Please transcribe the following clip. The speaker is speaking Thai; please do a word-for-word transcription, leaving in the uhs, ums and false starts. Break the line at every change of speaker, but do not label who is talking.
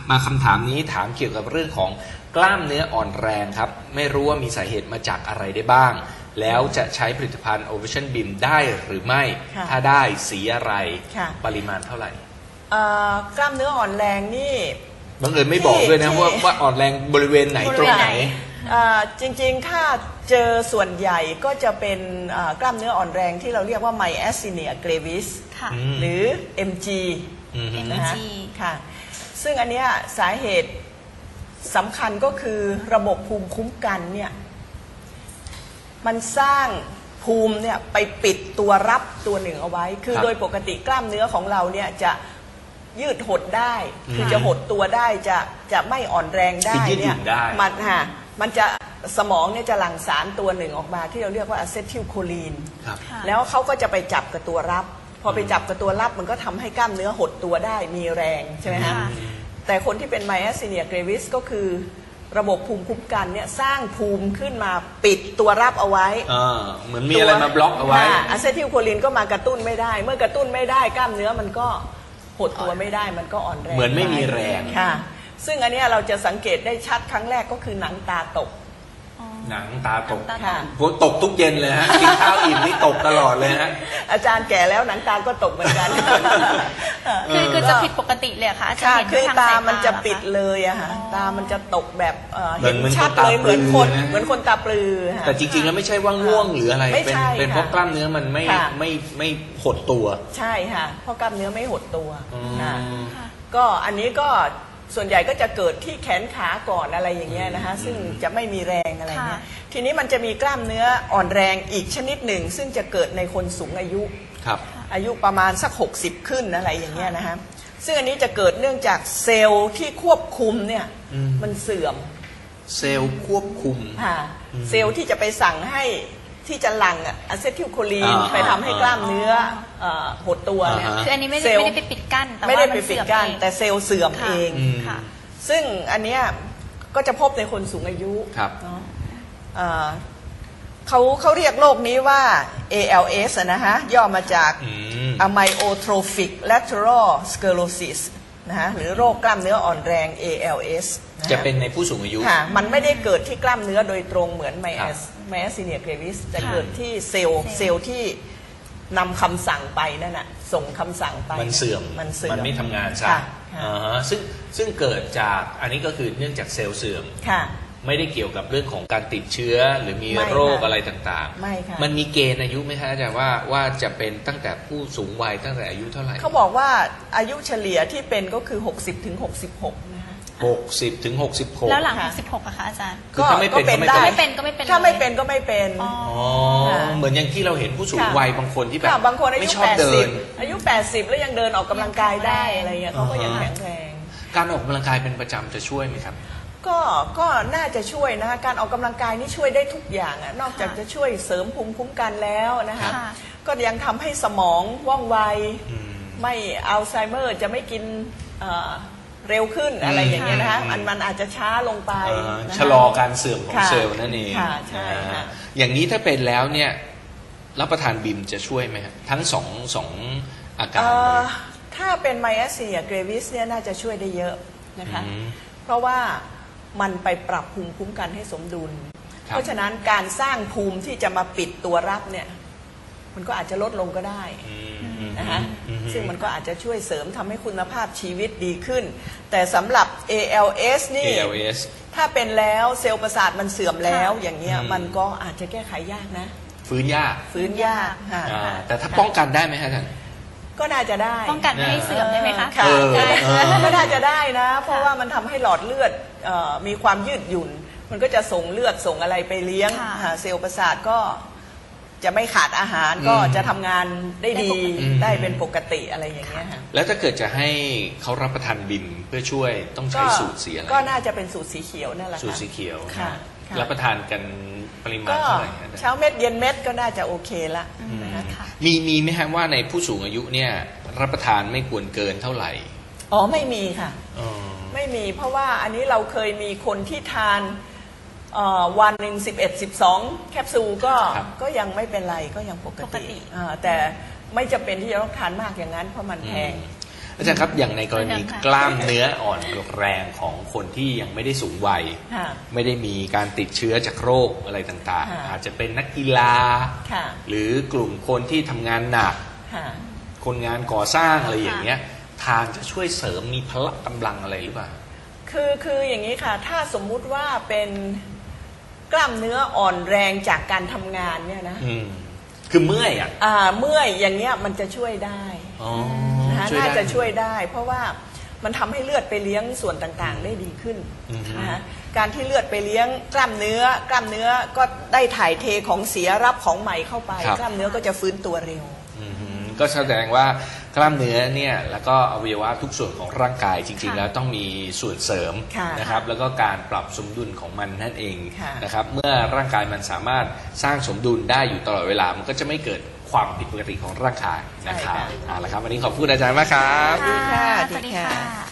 มาคำถามนี้ถามเกี่ยวกับเรื่องของกล้ามเนื้ออ่อนแรงครับไม่รู้ว่ามีสาเหตุมาจากอะไรได้บ้างแล้วจะใช้ผลิตภัณฑ์ Ovation Beam ได้หรือไม่ถ้าได้สีอะไรปริมาณเท่าไหร่
กล้ามเนื้ออ่อนแรงนี่
บังเอิญไม่บอกด้วยนะว่าว่าอ่อนแรงบริเวณไหนตรงไหน
จริงๆถ้าเจอส่วนใหญ่ก็จะเป็นกล้ามเนื้ออ่อนแรงที่เราเรียกว่า Myasthenia gravis หรือ เอ็ม จี นะคะค่ะซึ่งอันนี้สาเหตุสำคัญก็คือระบบภูมิคุ้มกันเนี่ยมันสร้างภูมิเนี่ยไปปิดตัวรับตัวหนึ่งเอาไว้คือโดยปกติกล้ามเนื้อของเราเนี่ยจะยืดหดได้คือจะหดตัวได้จะจะไม่อ่อนแรงได้เนี่ยมันฮะมันจะสมองเนี่ยจะหลั่งสารตัวหนึ่งออกมาที่เราเรียกว่าอะเซทิลโคลีนแล้วเขาก็จะไปจับกับตัวรับพอไปจับกับตัวรับมันก็ทำให้กล้ามเนื้อหดตัวได้มีแรงใช่ไหมฮะแต่คนที่เป็น Myasthenia gravis ก็คือระบบภูมิคุ้มกันเนี่ยสร้างภูมิขึ้นมาปิดตัวรับเอาไว้
เหมือนมีอะไรมาบล็อกเอาไว้
อะเซทิลโคลีนก็มากระตุ้นไม่ได้เมื่อกระตุ้นไม่ได้กล้ามเนื้อมันก็หดตัวไม่ได้มันก็อ่อนแรง
เหมือนไม่มีแรง
ค่ะซึ่งอันนี้เราจะสังเกตได้ชัดครั้งแรกก็คือหนังตาตก
หนังตาตกผมตกทุกเย็นเลยฮะกินข้าวอิ่มนี่ตกตลอดเลยฮะ
อาจารย์แก่แล้วหนังตาก็ตกเหมือนกัน
คือคือจะผิดปกติเลยค่ะ
ค่ะคือตามันจะปิดเลยอะค่ะตามันจะตกแบบเห็นชัดเลยเหมือนคนเหมือนคนตาปลือ
แต่จริงๆแล้วไม่ใช่ว่าง่วงหรืออะไรเป็นเป็นเพราะกล้ามเนื้อมันไม่ไม่ไม่หดตัว
ใช่ค่ะเพราะกล้ามเนื้อไม่หดตัวก็อันนี้ก็ส่วนใหญ่ก็จะเกิดที่แขนขาก่อนอะไรอย่างเงี้ยนะคะซึ่งจะไม่มีแรงอะไรเงี้ยทีนี้มันจะมีกล้ามเนื้ออ่อนแรงอีกชนิดหนึ่งซึ่งจะเกิดในคนสูงอายุอายุประมาณสักหกสิบขึ้นอะไรอย่างเงี้ยนะคะซึ่งอันนี้จะเกิดเนื่องจากเซลล์ที่ควบคุมเนี่ยมันเสื่อม
เซลล์ควบคุม
ค่ะเซลล์ที่จะไปสั่งให้ที่จะหลั่งอะเซทิลโคลีนไปทำให้กล้ามเนื้อหดตัวเนี่ย
คืออันนี้ไม่ได้ไม่ได้ไปปิดกั้น
แต่ว่ามันเสื่อมเองแต่เซลล์เสื่อมเองซึ่งอันเนี้ยก็จะพบในคนสูงอายุเขาเขาเรียกโรคนี้ว่า เอ แอล เอส นะฮะย่อมาจาก Amyotrophic Lateral Sclerosis นะฮะหรือโรคกล้ามเนื้ออ่อนแรง เอ แอล เอส
จะเป็นในผู้สูงอายุ
ค่ะมันไม่ได้เกิดที่กล้ามเนื้อโดยตรงเหมือน Myasthenia gravis จะเกิดที่เซลล์เซลล์ที่นำคำสั่งไปนั่นน่ะส่งคำสั่งไป
มันเสื่อม
มันเสื่อม
มันไม่ทำงานซะซึ่งซึ่งเกิดจากอันนี้ก็คือเนื่องจากเซลล์เสื่อมไม่ได้เกี่ยวกับเรื่องของการติดเชื้อหรือมีโรคอะไรต่างๆมันมีเกณฑ์อายุไหมคะอาจารย์ว่าว่าจะเป็นตั้งแต่ผู้สูงวัยตั้งแต่อายุเท่าไหร่
เขาบอกว่าอายุเฉลี่ยที่เป็นก็คือหกสิบถึงหกสิบหกนะคะ
หกสิบถึงหกสิบหก
แล้วหลังหกสิบหกอะคะอาจารย์
ก็ไม่เป็น
ได้
ไม่เป็นก็ไม่เป็น
ถ้าไม่เป็นก็ไม่เป็น
อ๋อเหมือนอย่างที่เราเห็นผู้สูงวัยบางคนที่แบบ
บางคนอายุแปดสิบอายุแปดสิบแล้วยังเดินออกกำลังกายได้อะไรเงี้ยเขาก็ยังแข็งแรง
การออกกำลังกายเป็นประจำจะช่วยไหมครับ
ก็ก็น่าจะช่วยนะคะการออกกำลังกายนี่ช่วยได้ทุกอย่างอะนอกจากจะช่วยเสริมภูมิคุ้มกันแล้วนะคะก็ยังทำให้สมองว่องไวไม่อัลไซเมอร์จะไม่กินเร็วขึ้นอะไรอย่างเงี้ยนะคะมันมันอาจจะช้าลงไป
ชะลอการเสื่อมของเซลล์นั่นเอง
ใช่ค่ะ
อย่างนี้ถ้าเป็นแล้วเนี่ยรับประทานบิมจะช่วยไหมครับทั้งสองสองอาการ
ถ้าเป็น Myasthenia gravis เนี่ยน่าจะช่วยได้เยอะนะคะเพราะว่ามันไปปรับภูมิคุ้มกันให้สมดุลเพราะฉะนั้นการสร้างภูมิที่จะมาปิดตัวรับเนี่ยมันก็อาจจะลดลงก็ได้นะคะซึ่งมันก็อาจจะช่วยเสริมทำให้คุณภาพชีวิตดีขึ้นแต่สำหรับ เอ แอล เอส นี่ถ้าเป็นแล้วเซลล์ประสาทมันเสื่อมแล้วอย่างเงี้ยมันก็อาจจะแก้ไขยากนะ
ฟื้นยาก
ฟื้นยาก
แต่ถ้าป้องกันได้ไหมฮะท่าน
ก็น่าจะได้
ป้องกันไม่ให้เสื่อมได้ไหมคะ
ก็น่าจะได้นะเพราะว่ามันทำให้หลอดเลือดมีความยืดหยุ่นมันก็จะส่งเลือดส่งอะไรไปเลี้ยงเซลล์ประสาทก็จะไม่ขาดอาหารก็จะทำงานได้ดีได้เป็นปกติอะไรอย่างเงี้ย
แล้วถ้าเกิดจะให้เขารับประทานบิมเพื่อช่วยต้องใช้สูตรสีอะไร
ก็น่าจะเป็นสูตรสีเขียวนั่นแหละ
สูตรสีเขียวรับประทานกันปริมาณเท่าไหร่
เช้าเม็ดเย็นเม็ดก็น่าจะโอเคละ
มีมีไหมฮะว่าในผู้สูงอายุเนี่ยรับประทานไม่ควรเกินเท่าไหร่
อ๋อไม่มีค่ะไม่มีเพราะว่าอันนี้เราเคยมีคนที่ทานวันหนึ่งสิบเอ็ดสิบสองแคปซูลก็ก็ยังไม่เป็นไรก็ยังปกติแต่ไม่จำเป็นที่จะต้องทานมากอย่างนั้นเพราะมันแพง
อาจารย์ครับอย่างในกรณีกล้ามเนื้ออ่อนแรงของคนที่ยังไม่ได้สูงวัยไม่ได้มีการติดเชื้อจากโรคอะไรต่างๆอาจจะเป็นนักกีฬาหรือกลุ่มคนที่ทำงานหนักคนงานก่อสร้างอะไรอย่างเงี้ยทานจะช่วยเสริมมีพละกำลังอะไรหรือเปล่า
คือคืออย่างนี้ค่ะถ้าสมมุติว่าเป็นกล้ามเนื้ออ่อนแรงจากการทำงานเนี่ยนะ
คือเมื่อยอ่ะ
อ่าเมื่อยอย่างเงี้ยมันจะช่วยได้นะน่าจะช่วยได้เพราะว่ามันทำให้เลือดไปเลี้ยงส่วนต่างๆได้ดีขึ้นนะการที่เลือดไปเลี้ยงกล้ามเนื้อกล้ามเนื้อก็ได้ถ่ายเทของเสียรับของใหม่เข้าไปกล้ามเนื้อก็จะฟื้นตัวเร็ว
ก็แสดงว่ากล้ามเนื้อเนี่ยแล้วก็อวัยวะทุกส่วนของร่างกายจริงๆแล้วต้องมีส่วนเสริมนะครับแล้วก็การปรับสมดุลของมันนั่นเองนะครับเมื่อร่างกายมันสามารถสร้างสมดุลได้อยู่ตลอดเวลามันก็จะไม่เกิดความผิดปกติของร่างกายนะครับเอาละครับวันนี้ขอบคุณอาจารย์มากครับ
สวัสดีค่ะ